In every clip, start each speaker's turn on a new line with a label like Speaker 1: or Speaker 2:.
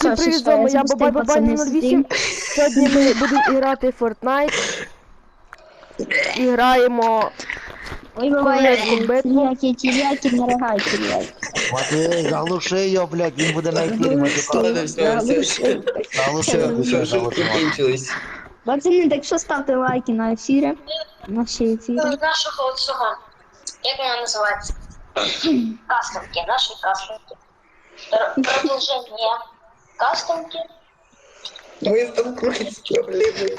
Speaker 1: Всім привіт, з вами я Бабай 08. Сьогодні ми будемо грати в Fortnite. І граємо
Speaker 2: Ой, буває,
Speaker 1: королевську битву.
Speaker 2: тіряки, не рогай, тіряки.
Speaker 3: Матвій, заглуши його, блядь, він буде на ефірі матюкати. Заглуши,
Speaker 4: Все,
Speaker 3: заглуши.
Speaker 4: шутки кінчились.
Speaker 2: Пацани, так що ставте лайки на ефірі. Наші ефіри.
Speaker 5: Нашого цього, як вона називається? Кастомки, наші кастомки. Продовження кастомки.
Speaker 4: Ми столкнулись з проблемою.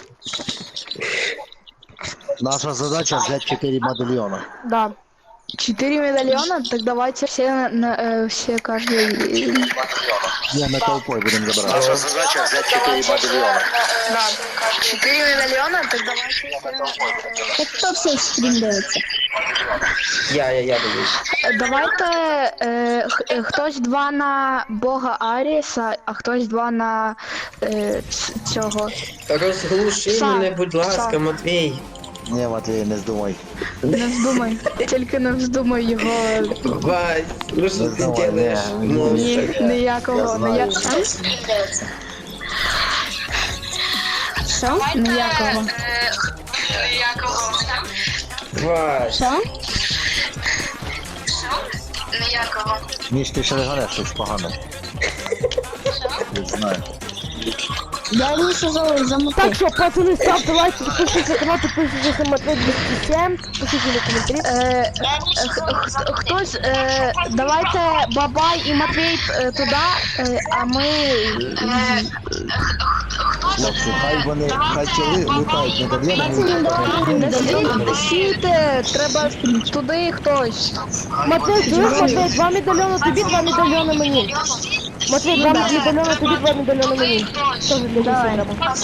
Speaker 3: Наша задача взять 4 медальйона.
Speaker 1: Да.
Speaker 6: 4 медальона? Так давайте все, все каждый...
Speaker 3: Не, ми толпой будемо забирати. Наша задача взять 4 медальйона.
Speaker 6: Да. 4 медальона? Так давайте...
Speaker 2: Так хто все стрім дивиться?
Speaker 4: Я дивлюсь.
Speaker 6: Давайте хтось 2 на бога Аріса, а хтось 2 на цього.
Speaker 4: Розглуши
Speaker 6: Са.
Speaker 4: мене, будь ласка,
Speaker 6: Са.
Speaker 4: Матвій.
Speaker 3: Ні, Матвій, не здумай.
Speaker 6: Не вздумай, тільки не вздумай його.
Speaker 4: Вась, ну що ти
Speaker 3: Давай,
Speaker 4: делаєш?
Speaker 3: ні.
Speaker 4: Монстр.
Speaker 6: Ніякого,
Speaker 3: Я знаю.
Speaker 6: Що? Ніякого.
Speaker 4: Вась.
Speaker 2: Що?
Speaker 3: Міш, ти ще не ганеш щось погане. Не знаю.
Speaker 2: Я Міша замотив.
Speaker 1: Так що, пацани, ставте лайки, підписуйтесь на канал, підписуйтесь на Матвей 207, пишіть на коментарі.
Speaker 6: Хтось, давайте Бабай і Матвій туди, а ми...
Speaker 3: Хлопці, хай тіли лутають медальйони.
Speaker 6: Сійте, треба туди хтось.
Speaker 1: Матвей, чуєш, Матвей, 2 медальйони тобі, 2 медальйони мені. Матвей, 2 медальйони тобі, 2 медальйони мені. Що ж для
Speaker 2: Давай.
Speaker 1: треба?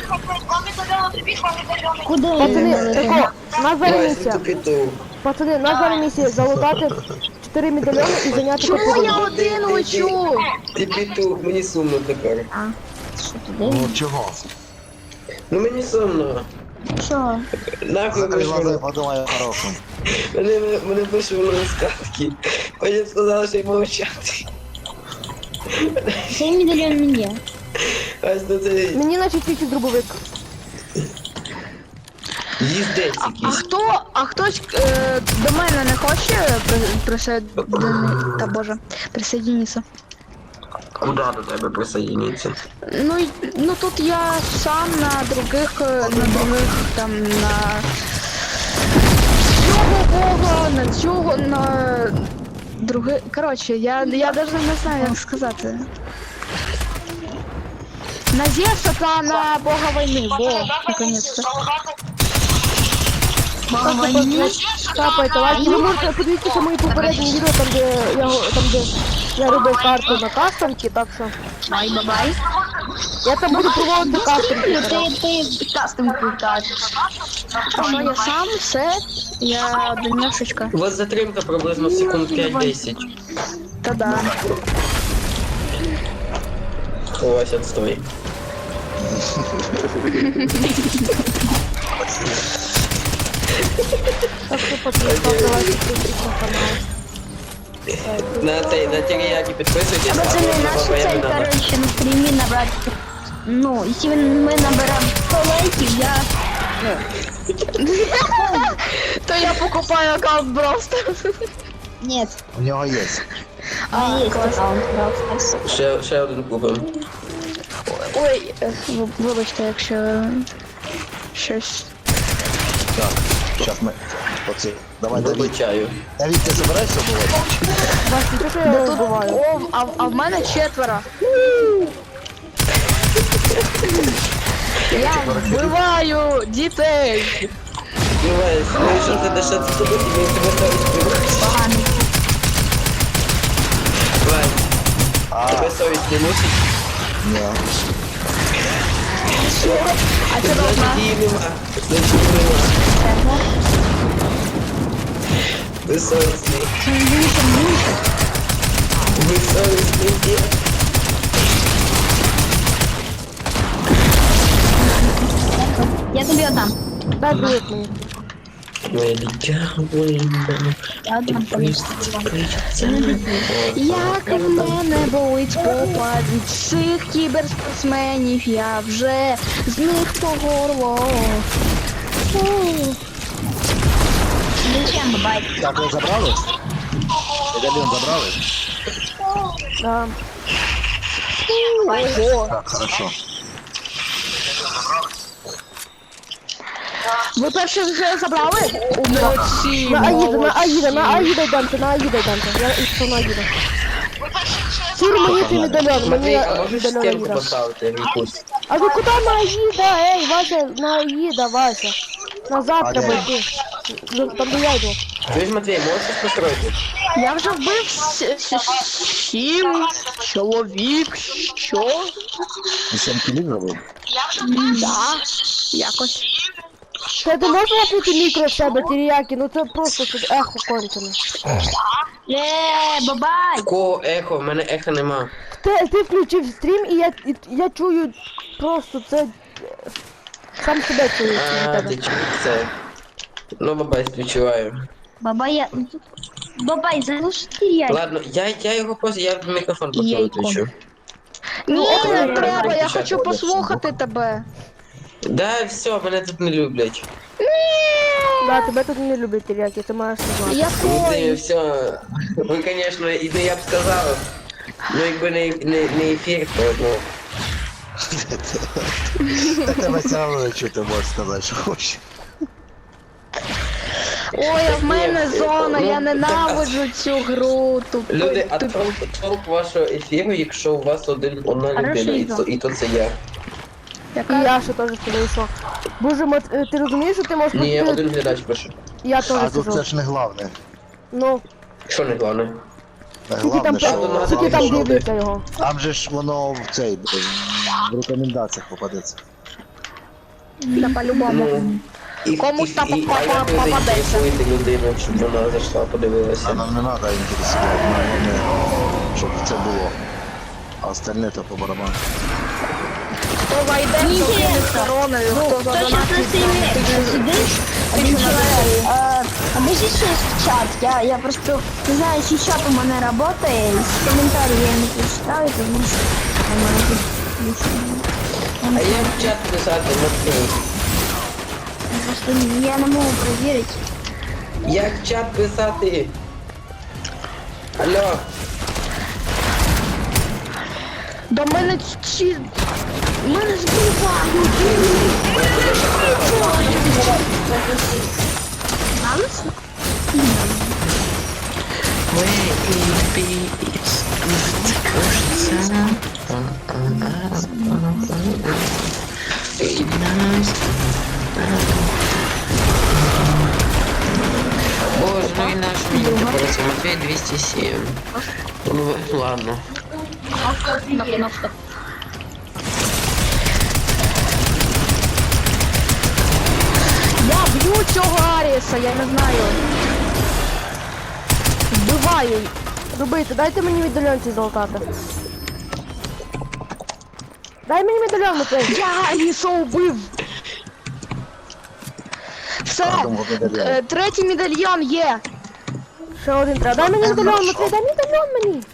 Speaker 2: Куди?
Speaker 1: Пацани, тако, нас зараз
Speaker 4: Вась,
Speaker 1: місія.
Speaker 4: ти петух.
Speaker 1: Пацани, нас зараз місія залутати 4 медальйони і зайняти
Speaker 6: Чому я
Speaker 1: капітан.
Speaker 6: один лечу?
Speaker 4: Ти петух, мені сумно тепер.
Speaker 2: Що туди?
Speaker 3: Ну чого?
Speaker 4: Ну мені сумно.
Speaker 2: Що?
Speaker 4: Нахуй
Speaker 3: Закрий глаза і
Speaker 4: вийшло.
Speaker 3: подумай хорошим.
Speaker 4: Мене вийшло на скатки. Потім сказали, що й мовчати.
Speaker 2: Цей медальйон мені.
Speaker 4: Ось до це
Speaker 1: Мені наче тільки дробовик.
Speaker 4: їздець
Speaker 6: А
Speaker 4: якийсь.
Speaker 6: а хтось до мене не хоче присоединитися?
Speaker 4: Куда до тебе присоединиться?
Speaker 6: Ну тут я сам на других там на цього бога, на цього, на других. Коротше, я даже не знаю, як сказати. На Зевса та на бога війни, наконец-то. Бога війни?
Speaker 1: Капайте лайки. Ви можете подивитися мої попередні відео, там де я робив карту на кастомки, так що
Speaker 6: Бай-бай.
Speaker 1: я там буду проводити кастомки.
Speaker 2: Ти кастом круташ.
Speaker 6: А що я сам, все, я донешечка.
Speaker 4: У вас затримка приблизно секунд 5-10.
Speaker 6: Та да.
Speaker 4: У вас отстой.
Speaker 1: Так що пацани, ставте лайки, підписуйтесь на канал.
Speaker 4: На теріяки підписуйтесь,
Speaker 2: Пацани,
Speaker 4: а
Speaker 2: нашу
Speaker 4: бабай
Speaker 2: цель,
Speaker 4: не надо.
Speaker 2: короче, на стрімі набрати. Ну, якщо ми наберемо 100 лайків, я...
Speaker 6: То я покупаю аккаунт Brawl Stars.
Speaker 2: Ні,
Speaker 3: У нього є.
Speaker 2: а є аккаунт Brawl Stars.
Speaker 4: Ще один купив.
Speaker 6: Ой, вибачте, якщо щось.
Speaker 3: Так, зараз ми... Оці. Давай, Давід.
Speaker 4: Вибачаю.
Speaker 3: Давід, ти забираєшся було?
Speaker 1: Бачите, що я вбиваю?
Speaker 6: О, а в мене 4. Я вбиваю дітей.
Speaker 4: Дивись, ну що ти дешати тобі, тобі тебе совість не
Speaker 2: Поганий.
Speaker 4: Вась, тебе совість не мусить?
Speaker 3: Ні.
Speaker 6: А це должна.
Speaker 4: Значить її нема. Значить її нема. Ви совісний. Ви совісний дід.
Speaker 2: Я тобі отдам.
Speaker 1: Дай привіт мені.
Speaker 4: Моє дитя воїна.
Speaker 6: Як в мене болить попа від цих кіберспортсменів, я вже з них по горло.
Speaker 2: Зачем, бабай?
Speaker 3: Так, ви забрали? Медальйон забрали?
Speaker 1: Да.
Speaker 3: Так, хорошо.
Speaker 6: Ви перше вже забрали? Молодці,
Speaker 1: На Аїда,
Speaker 6: молодці.
Speaker 1: на Аїда йдемте, на Аїда йдемте. Я пішов на Аїда. Сір, мені цей медальйон, мені
Speaker 4: Матвій, а можеш
Speaker 1: медальйон
Speaker 4: стінку
Speaker 1: Аїда.
Speaker 4: поставити якусь?
Speaker 1: А ви куди на Аїда? Ей, Вася, на Аїда, Вася. Назад
Speaker 3: А
Speaker 1: треба
Speaker 3: де?
Speaker 1: йти. Там де я йду.
Speaker 4: Чуєш, Матвій, можеш щось построїти?
Speaker 6: Я вже вбив 7 чоловік, що?
Speaker 3: 7 кілів зробив?
Speaker 6: Да, якось.
Speaker 1: Ти можеш випити мікро в себе, тіріяки? Ну це просто тут ехо кончене.
Speaker 2: Бабай!
Speaker 4: В кого ехо? В мене еха нема.
Speaker 1: Ти включив стрім і я чую просто це... Сам себе чую від
Speaker 4: А,
Speaker 1: тебе.
Speaker 4: ти чуєш це? Ну, бабай, співчуваю.
Speaker 2: Бабай, я... Бабай, залиши я.
Speaker 4: Ладно, я його я мікрофон просто
Speaker 6: Яйко.
Speaker 4: виключу.
Speaker 6: Ні, не
Speaker 4: ну,
Speaker 6: треба, я
Speaker 4: ну,
Speaker 6: хочу
Speaker 4: ну,
Speaker 6: послухати тебе.
Speaker 4: Да, все, мене тут не люблять.
Speaker 1: Да, тебе тут не люблять тіріяки, ти маєш знати.
Speaker 4: Ну, ти,
Speaker 6: Якої?
Speaker 4: все. Ви, звісно, і не я б сказав. Ну, якби не ефір, то, ну...
Speaker 3: Так тебе все одно чути, можеш сказати, що хочеш.
Speaker 6: Ой, а в мене
Speaker 4: Ні,
Speaker 6: зона,
Speaker 4: ну,
Speaker 6: я
Speaker 4: так,
Speaker 6: ненавиджу цю гру.
Speaker 4: Люди, а толк вашого ефіру, якщо у вас одна людина, і то це я.
Speaker 1: І я ще теж сюди йшов. Боже, ти розумієш, що ти можеш...
Speaker 4: Ні,
Speaker 1: ти-
Speaker 4: один глядач пише.
Speaker 1: Я
Speaker 3: А
Speaker 1: теж
Speaker 3: тут це
Speaker 1: сижу.
Speaker 3: ж не головне.
Speaker 1: Ну,
Speaker 4: Що не головне?
Speaker 1: скільки там,
Speaker 3: Головне,
Speaker 1: скільки там
Speaker 3: що
Speaker 1: дивляться його.
Speaker 3: там же ж воно в цей, в рекомендаціях попадеться.
Speaker 6: Да, по-любому.
Speaker 4: Ну, і,
Speaker 6: Комусь там
Speaker 4: а як ви
Speaker 6: попадеться.
Speaker 4: заінтересуєте людину, щоб вона зайшла,
Speaker 3: А
Speaker 4: подивилася?
Speaker 3: нам не треба інтересувати, нам головне, щоб це було. А остальне то по барабану.
Speaker 6: Хто зайде, хто кине короною, хто
Speaker 2: Хто
Speaker 6: задонатить
Speaker 2: сейчас на стриме сидишь? Один человек. Объясни в чат. Я просто не знаю, если чат у меня работает. С комментариев я не прочитаю, потому что
Speaker 4: А як в чат писати, Матвій?
Speaker 2: просто я не могу проверить.
Speaker 4: Як в чат писати? Алло,
Speaker 6: До мене ці... Мене збивають.
Speaker 4: боже, ну і наш мені тепер це Матвій 207. Ну, ладно.
Speaker 6: Я б'ю цього Аріса, я не знаю.
Speaker 1: Вбиваю. Робити, дайте мені медальйонці золотати. Дай мені медальйон, Матвій.
Speaker 6: Я Аріса убив. Все,
Speaker 3: Кожному медальйон.
Speaker 6: третій медальйон є.
Speaker 1: Ще один треба. Дай мені медальйон, Матвій, дай медальйон мені.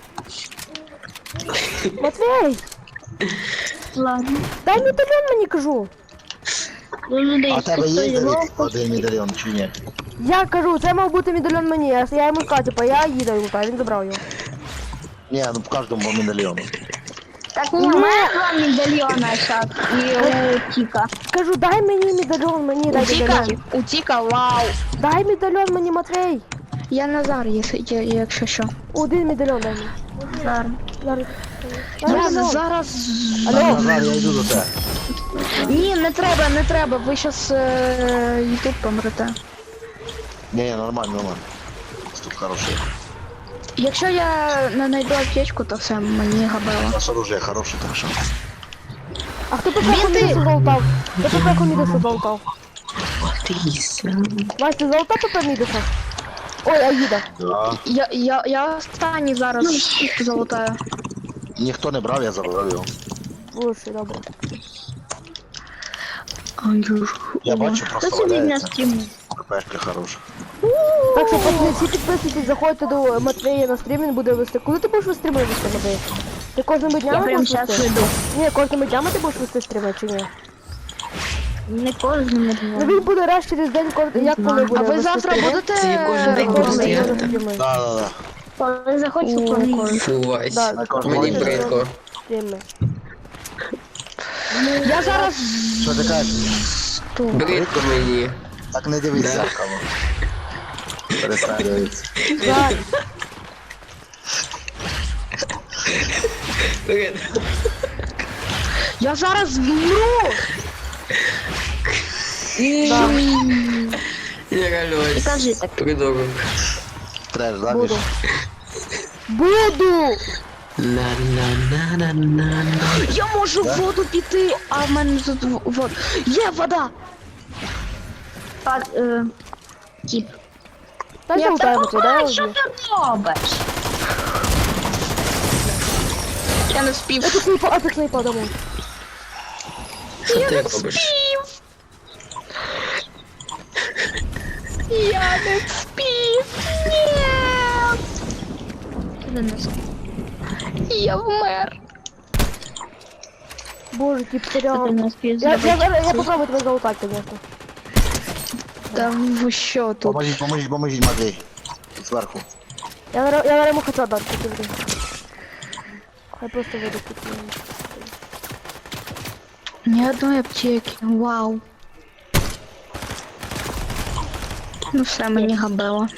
Speaker 1: Матвій,
Speaker 2: Ладно.
Speaker 1: дай медальйон мені, кажу.
Speaker 3: А в тебе є один медальйон чи ні?
Speaker 1: Я кажу, це мав бути медальйон мені. Я йому сказав, типа, я їду йому, він забрав його.
Speaker 3: Ні, ну в кожному по медальйону.
Speaker 2: Так, не, у меня 2 медальона сейчас. И у Тика.
Speaker 1: Кажу, дай мені медальйон, мені дай
Speaker 6: Утіка,
Speaker 1: медальйон.
Speaker 6: утіка, вау.
Speaker 1: Дай медальйон мені, Матвій.
Speaker 6: Я Назар, якщо що.
Speaker 1: Один медальйон дай мені.
Speaker 2: Зараз.
Speaker 1: Зараз. Дай
Speaker 6: Я
Speaker 1: медальйон.
Speaker 6: зараз...
Speaker 1: Алло.
Speaker 3: Назар, я йду до тебе.
Speaker 6: Ні, не треба, ви щас YouTube помрете.
Speaker 3: Ні, нормально, нормально. Тут хороший.
Speaker 6: Якщо я не знайду аптечку, то все, мені габело.
Speaker 3: Наше оружие хороше, так що.
Speaker 1: А хто пепеху Мідаса золотав? Хто пепеху Мідаса золотав? Вась, ти золотав пепе Мідаса? Ой, Аїда.
Speaker 3: Да.
Speaker 6: Я останній зараз залутаю.
Speaker 3: Ніхто не брав, я забрав його.
Speaker 1: Слушай, добре.
Speaker 3: Я бачу,
Speaker 2: Кто
Speaker 3: просто
Speaker 2: сидит на
Speaker 3: валяється.
Speaker 2: стриме?
Speaker 3: ХПшка хороша.
Speaker 1: Так що, пацани, всі підписуйтесь, заходьте до Матвея на стрім, він буде вести. Коли ти будеш вести стріми вести, Матвей? Ти кожними
Speaker 2: Я
Speaker 1: днями
Speaker 2: прямо
Speaker 1: будеш
Speaker 2: зараз
Speaker 1: вести?
Speaker 2: веду.
Speaker 1: Ні, кожними днями ти будеш вести стріми чи ні?
Speaker 2: Не кожному
Speaker 1: Ну
Speaker 2: дню.
Speaker 1: він буде раз через день, як коли буде
Speaker 6: А ви
Speaker 1: вести
Speaker 6: завтра
Speaker 1: стріми?
Speaker 6: будете
Speaker 4: Ці кожен день
Speaker 1: Кожен
Speaker 4: будуть
Speaker 1: день
Speaker 4: стояти.
Speaker 1: стріми.
Speaker 3: Да.
Speaker 2: Коли захочу, коли.
Speaker 4: Фу, Вась.
Speaker 1: Да,
Speaker 3: На кожному
Speaker 4: Мені
Speaker 3: дні.
Speaker 4: бридко.
Speaker 1: Стріми.
Speaker 6: Я зараз
Speaker 3: Що ти кажеш?
Speaker 4: Бридко мені.
Speaker 3: Так не дивись
Speaker 4: Да.
Speaker 3: зеркало. Перестань дивитися.
Speaker 1: Да.
Speaker 4: Бридко.
Speaker 6: Я зараз вмру!
Speaker 4: Я реально Вась.
Speaker 2: Кажи так.
Speaker 4: Придурок.
Speaker 3: Треш, да,
Speaker 1: Буду.
Speaker 3: Міш?
Speaker 1: Буду!
Speaker 4: На-на-на-на-на-на.
Speaker 6: Я можу в воду піти, а в мене тут вода. Є вода!
Speaker 2: Тіп.
Speaker 1: Та я лутаю Матвей, дай я
Speaker 2: Що
Speaker 1: вб'ю.
Speaker 2: ти робиш?
Speaker 6: Я не спів.
Speaker 1: А ти снайпа домой.
Speaker 4: Що ти робиш?
Speaker 6: Я не спів. Ні.
Speaker 2: Ти не спів.
Speaker 6: Я вмер.
Speaker 1: Боже, тип
Speaker 2: Ти
Speaker 1: серіал.
Speaker 2: не спів.
Speaker 1: Я попробую тебе залутать, конечно.
Speaker 6: Та ви що тут?
Speaker 3: Поможіть, Матвій. Зверху.
Speaker 1: Я на йому хочу дати, ти блін. Хай просто веду тут.
Speaker 6: Ні одної аптеки. Вау. Ну все, мені габело.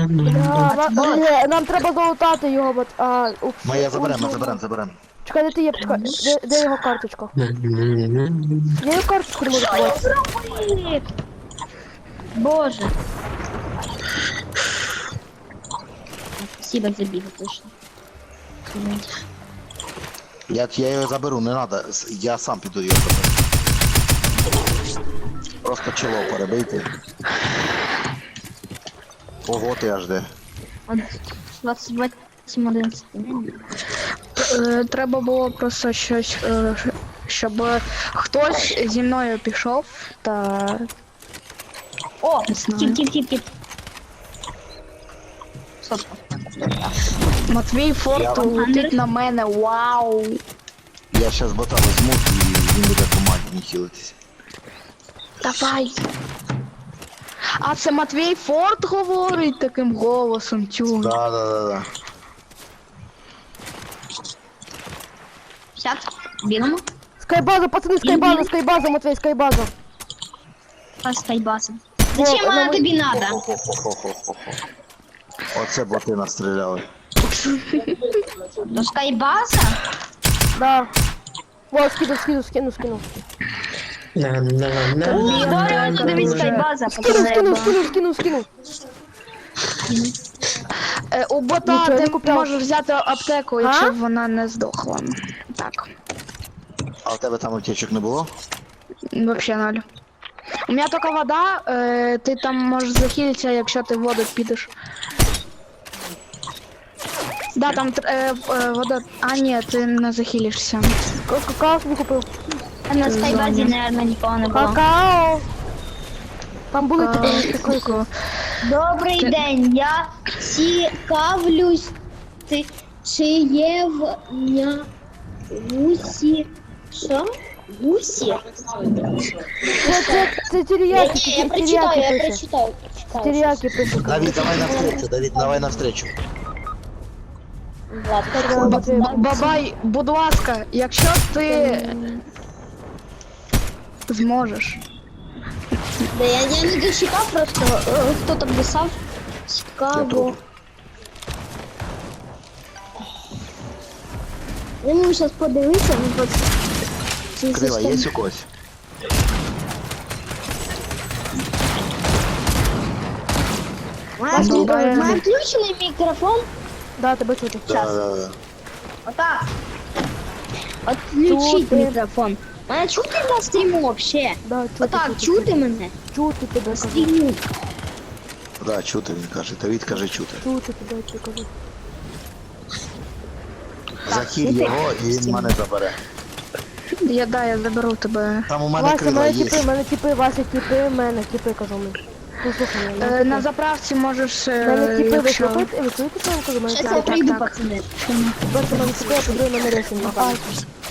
Speaker 1: Нам треба залутати його, бо...
Speaker 3: Ми заберемо.
Speaker 1: Чекай, де ти є? Чекай, де його карточка? Я його карточку не можу побачити.
Speaker 2: Боже. Спасибо за біг, точно.
Speaker 3: Я його заберу, не надо. Я сам піду його заберу. Просто чоло перебийте. Ого, ти аж де.
Speaker 2: 28-11.
Speaker 6: Треба було просто щось, щоб хтось зі мною пішов та
Speaker 2: О,
Speaker 6: Не знаю.
Speaker 2: тіп. Сотка.
Speaker 6: Матвій Форт летить на мене. Вау!
Speaker 3: Я щас бота візьму і він буде командні хілитися.
Speaker 6: Давай! А це Матвій Форт говорить таким голосом, тю.
Speaker 3: Да.
Speaker 2: Сяд. Бігамо.
Speaker 1: Скайбаза, пацани, скайбаза, Матвей, скайбаза.
Speaker 2: Скайбасом. Зачем вона тобі надо?
Speaker 3: Хо-хо-хо-хо-хо. Оце боти настріляли.
Speaker 2: До скайбаса?
Speaker 1: Да. О, скину.
Speaker 2: Здорово, дивись скайбаза.
Speaker 1: Скину.
Speaker 6: У бота
Speaker 1: Нічого, не
Speaker 6: ти
Speaker 1: купляв.
Speaker 6: можеш взяти аптеку, якщо вона не здохла. Так,
Speaker 3: А у тебе там аптечок не було?
Speaker 6: вообще ноль. У мене тільки вода, ти там можеш захилитися, якщо ти в воду підеш. Да, там вода. А ні, ти не захилишся.
Speaker 1: Какао собі купив.
Speaker 2: А на скайбазі, наверное, нікого не було.
Speaker 1: Какао. Там були такі.
Speaker 2: Добрий день, я цікавлюсь, чи є в гусі. Що? Гусі?
Speaker 1: Це тіріяки,
Speaker 2: Я
Speaker 1: тіріяки пише.
Speaker 2: прочитаю.
Speaker 1: Тіріяки пише.
Speaker 3: Давид, давай навстречу.
Speaker 6: Бабай, будь ласка, якщо ти зможеш.
Speaker 2: Да, я не дочитав просто, хто там писав. Цікаво. Я можу зараз подивитися, ну просто...
Speaker 3: Крила, є у когось?
Speaker 2: Має включений мікрофон.
Speaker 1: Да, тебе чути.
Speaker 3: Да.
Speaker 2: Отак. Отключить
Speaker 1: Чути.
Speaker 2: мікрофон. Мене чути на стріму вообще?
Speaker 1: Да,
Speaker 2: Отак, чути мене?
Speaker 1: Чути тебе, кажу.
Speaker 2: Стріму.
Speaker 3: Да, чути, він каже. Давид каже чути.
Speaker 1: Чути тебе, я кажу.
Speaker 3: Захиль його і він мене забере.
Speaker 6: Я заберу тебе.
Speaker 3: Там у мене
Speaker 1: Вася,
Speaker 3: крила
Speaker 1: мене
Speaker 3: є.
Speaker 1: тіпи, Вася, тіпи, мене, тіпи, кажу мені. Послухай мене.
Speaker 6: На заправці можеш,
Speaker 1: Мене тіпи
Speaker 6: якщо...
Speaker 1: ви чуєте, що я вам кажу? Мене
Speaker 2: Щас
Speaker 1: тіпи.
Speaker 2: я прийду, пацани.
Speaker 1: Перше мене тіпи, а по-друге мене ресінг напали.